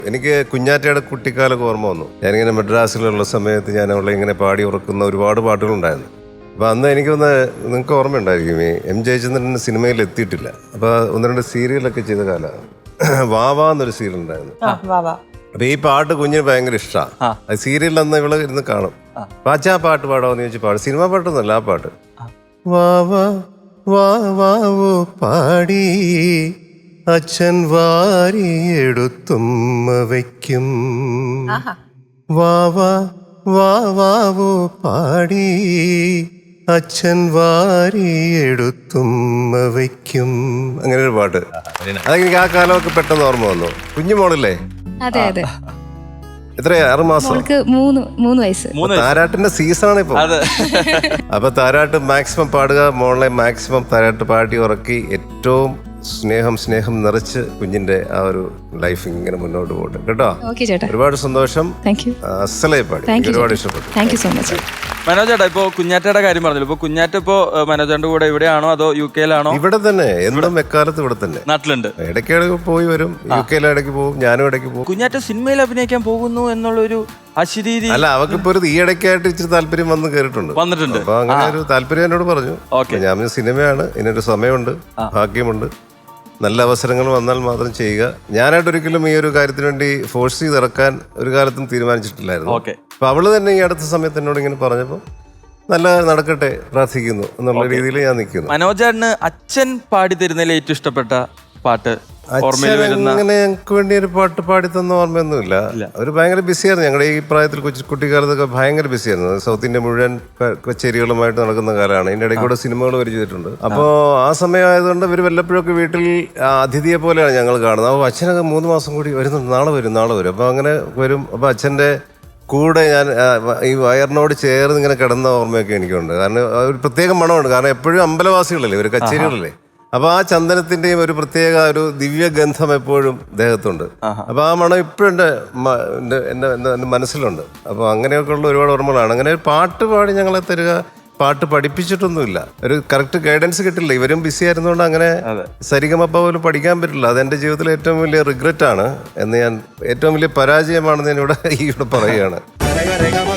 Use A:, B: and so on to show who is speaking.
A: എനിക്ക് കുഞ്ഞാറ്റയുടെ കുട്ടിക്കാലൊക്കെ ഓർമ്മ വന്നു. ഞാനിങ്ങനെ മദ്രാസിലുള്ള സമയത്ത് ഞാൻ അവളെ ഇങ്ങനെ പാടി ഉറക്കുന്ന ഒരുപാട് പാട്ടുകളുണ്ടായിരുന്നു. അപ്പോൾ അന്ന് എനിക്കൊന്ന് നിങ്ങൾക്ക് ഓർമ്മയുണ്ടായിരിക്കും, ഈ എം ജയചന്ദ്രൻ സിനിമയിൽ എത്തിയിട്ടില്ല. അപ്പോൾ ഒന്ന് രണ്ട് സീരിയലൊക്കെ ചെയ്ത കാലമാണ്. വാവാ എന്നൊരു സീരിയൽ ഉണ്ടായിരുന്നു. അപ്പോൾ ഈ പാട്ട് കുഞ്ഞിന് ഭയങ്കര ഇഷ്ടമാണ്. അത് സീരിയലിൽ അന്ന് ഇവള് ഇരുന്ന് കാണും. അപ്പോൾ അച്ഛാ പാട്ട് പാടാമെന്ന് ചോദിച്ചു പാടും. സിനിമ പാട്ടൊന്നുമല്ല, ആ പാട്ട്. വാവാ വാവാവോ പാടി അച്ഛൻ വാരിയെടുത്തുമ്മ വയ്ക്കും. വാവാ വാവാവോ പാടി അച്ഛൻ വാരിയെടുത്തുമ്മ വയ്ക്കും. അങ്ങനെ ഒരു പാട്ട്. അതെനിക്ക് ആ കാലമൊക്കെ പെട്ടെന്ന് ഓർമ്മ വന്നു. കുഞ്ഞു മോളല്ലേ?
B: അതെ അതെ.
A: എത്രയാ? 6 മാസം.
B: 3 വയസ്സ്.
A: താരാട്ടിന്റെ സീസണാണ് ഇപ്പൊ. അപ്പൊ താരാട്ട് മാക്സിമം പാടുക, മോളെ മാക്സിമം താരാട്ട് പാടി ഉറക്കി ഏറ്റവും സ്നേഹം നിറച്ച് കുഞ്ഞിന്റെ ആ ഒരു ലൈഫ് ഇങ്ങനെ മുന്നോട്ട് പോട്ടെ കേട്ടോ. ഒരുപാട് സന്തോഷം. അസലായി പാടി, ഒരുപാട് ഇഷ്ടപ്പെട്ടു.
B: Thank you so much.
C: മനോജേട്ടാ, ഇപ്പൊ കുഞ്ഞാറ്റയുടെ കാര്യം പറഞ്ഞല്ലോ. ഇപ്പൊ കുഞ്ഞാറ്റ ഇപ്പോ മനോജേട്ടന്റെ കൂടെ ഇവിടെയാണോ അതോ UK-ലാണോ?
A: ഇവിടെ തന്നെ, എന്തും എക്കാലത്ത് ഇവിടെ തന്നെ
C: നാട്ടിലുണ്ട്.
A: ഇടയ്ക്ക് പോയി വരും. UK-ൽ ഇടയ്ക്ക് പോകും, ഞാനും ഇടയ്ക്ക് പോകും.
C: കുഞ്ഞാറ്റ സിനിമയിൽ അഭിനയിക്കാൻ പോകുന്നു എന്നുള്ളൊരു അശരീരി
A: അല്ല, അവക്കിപ്പോ ഒരു ഈ ഇടയ്ക്കായിട്ട് ഇച്ചിരി താല്പര്യം വന്നിട്ടുണ്ട്. അപ്പൊ അങ്ങനെ ഒരു താല്പര്യം എന്നോട് പറഞ്ഞു. ഞാൻ സിനിമയാണ്, ഇതിനൊരു സമയമുണ്ട്, ഭാഗ്യമുണ്ട്, നല്ല അവസരങ്ങൾ വന്നാൽ മാത്രം ചെയ്യുക. ഞാനായിട്ടൊരിക്കലും ഈ ഒരു കാര്യത്തിന് വേണ്ടി ഫോഴ്സ് ചെയ്ത് ഇറക്കാൻ ഒരു കാലത്തും തീരുമാനിച്ചിട്ടില്ലായിരുന്നു. അപ്പൊ അവള് തന്നെ ഈ അടുത്ത സമയത്ത് എന്നോട് ഇങ്ങനെ പറഞ്ഞപ്പോൾ നല്ല നടക്കട്ടെ, പ്രാർത്ഥിക്കുന്നു എന്നുള്ള രീതിയിൽ ഞാൻ നിൽക്കുന്നു.
C: മനോജേട്ടന് അച്ഛൻ പാടി തരുന്നതിൽ ഏറ്റവും ഇഷ്ടപ്പെട്ട പാട്ട്?
A: അങ്ങനെ ഞങ്ങൾക്ക് വേണ്ടി ഒരു പാട്ട് പാടി തന്ന ഓർമ്മയൊന്നുമില്ല. അവര് ഭയങ്കര ബിസിയായിരുന്നു. ഞങ്ങളുടെ ഈ പ്രായത്തിൽ കുട്ടിക്കാലത്തൊക്കെ ഭയങ്കര ബിസിയായിരുന്നു. സൗത്ത് ഇന്ത്യ മുഴുവൻ കച്ചേരികളുമായിട്ട് നടക്കുന്ന കാലമാണ്. ഇതിന്റെ ഇടയ്ക്ക് കൂടെ സിനിമകൾ വരെ ചെയ്തിട്ടുണ്ട്. അപ്പോൾ ആ സമയമായതുകൊണ്ട് ഇവർ വല്ലപ്പോഴൊക്കെ വീട്ടിൽ അതിഥിയെ പോലെയാണ് ഞങ്ങൾ കാണുന്നത്. അപ്പോൾ അച്ഛനൊക്കെ 3 മാസം കൂടി വരുന്നുണ്ട്, നാളെ വരും. അപ്പോൾ അങ്ങനെ വരും. അപ്പോൾ അച്ഛൻ്റെ കൂടെ ഞാൻ ഈ വയറിനോട് ചേർന്ന് ഇങ്ങനെ കിടന്ന ഓർമ്മയൊക്കെ എനിക്കുണ്ട്. കാരണം ഒരു പ്രത്യേക മണമുണ്ട്. കാരണം എപ്പോഴും അമ്പലവാസികളല്ലേ ഇവർ, കച്ചേരികളല്ലേ. അപ്പൊ ആ ചന്ദനത്തിന്റെയും ഒരു പ്രത്യേക ഒരു ദിവ്യഗന്ധം എപ്പോഴും ദേഹത്തുണ്ട്. അപ്പൊ ആ മണം ഇപ്പോഴും എൻ്റെ മനസ്സിലുണ്ട്. അപ്പൊ അങ്ങനെയൊക്കെ ഉള്ള ഒരുപാട് ഓർമ്മകളാണ്. അങ്ങനെ ഒരു പാട്ട് പാടി ഞങ്ങളെ തരിക, പാട്ട് പഠിപ്പിച്ചിട്ടൊന്നുമില്ല. ഒരു കറക്റ്റ് ഗൈഡൻസ് കിട്ടില്ല. ഇവരും ബിസി ആയിരുന്നുകൊണ്ട് അങ്ങനെ സരിഗമപ്പ പോലും പഠിക്കാൻ പറ്റില്ല. അതെന്റെ ജീവിതത്തിലെ ഏറ്റവും വലിയ റിഗ്രറ്റ് ആണ് എന്ന് ഞാൻ, ഏറ്റവും വലിയ പരാജയമാണെന്ന് ഞാൻ ഇവിടെ പറയുകയാണ്.